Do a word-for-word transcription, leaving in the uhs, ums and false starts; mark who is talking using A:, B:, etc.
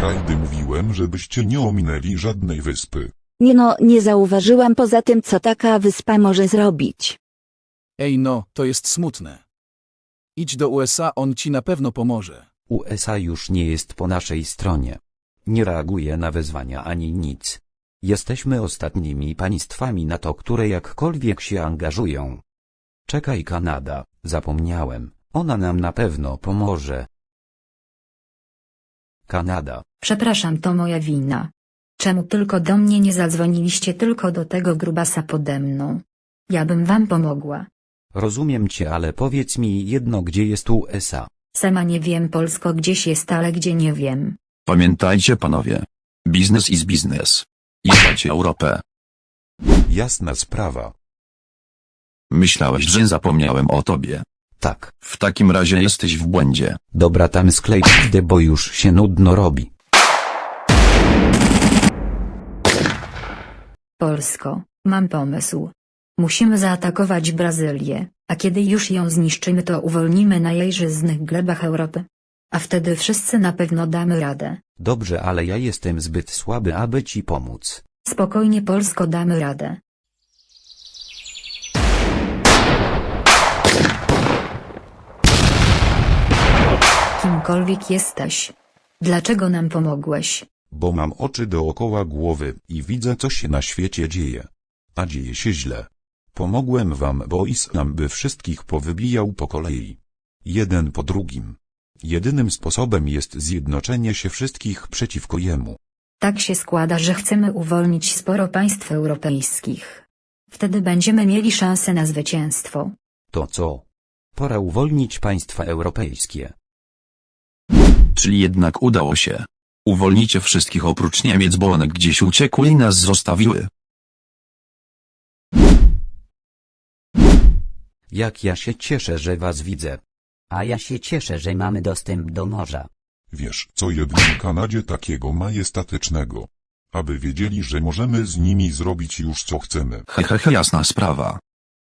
A: Frajdy, mówiłem, żebyście nie ominęli żadnej wyspy.
B: Nie no, nie zauważyłam poza tym, co taka wyspa może zrobić.
C: Ej no, to jest smutne. Idź do U S A, on ci na pewno pomoże.
D: U S A już nie jest po naszej stronie. Nie reaguje na wezwania ani nic. Jesteśmy ostatnimi państwami NATO, które jakkolwiek się angażują. Czekaj, Kanada, zapomniałem, ona nam na pewno pomoże. Kanada.
E: Przepraszam, to moja wina. Czemu tylko do mnie nie zadzwoniliście, tylko do tego grubasa pode mną? Ja bym wam pomogła.
D: Rozumiem cię, ale powiedz mi jedno, gdzie jest U S A?
E: Sama nie wiem, Polsko gdzieś jest, ale gdzie nie wiem.
F: Pamiętajcie, panowie. Biznes is biznes. Jebacie Europę.
A: Jasna sprawa.
F: Myślałeś, że zapomniałem o tobie.
D: Tak.
F: W takim razie jesteś w błędzie.
D: Dobra, tam sklej pizdę, bo już się nudno robi.
E: Polsko, mam pomysł. Musimy zaatakować Brazylię, a kiedy już ją zniszczymy, to uwolnimy najżyznych glebach Europy. A wtedy wszyscy na pewno damy radę.
D: Dobrze, ale ja jestem zbyt słaby, aby ci pomóc.
E: Spokojnie, Polsko, damy radę. Kimkolwiek jesteś. Dlaczego nam pomogłeś?
A: Bo mam oczy dookoła głowy i widzę, co się na świecie dzieje. A dzieje się źle. Pomogłem wam, bo Islam by wszystkich powybijał po kolei. Jeden po drugim. Jedynym sposobem jest zjednoczenie się wszystkich przeciwko jemu.
E: Tak się składa, że chcemy uwolnić sporo państw europejskich. Wtedy będziemy mieli szansę na zwycięstwo.
D: To co? Pora uwolnić państwa europejskie.
F: Czyli jednak udało się. Uwolnicie wszystkich oprócz Niemiec, bo one gdzieś uciekły i nas zostawiły.
D: Jak ja się cieszę, że was widzę.
G: A ja się cieszę, że mamy dostęp do morza.
A: Wiesz, co jednym Kanadzie takiego majestatycznego. Aby wiedzieli, że możemy z nimi zrobić już co chcemy.
F: Hehehe, jasna sprawa.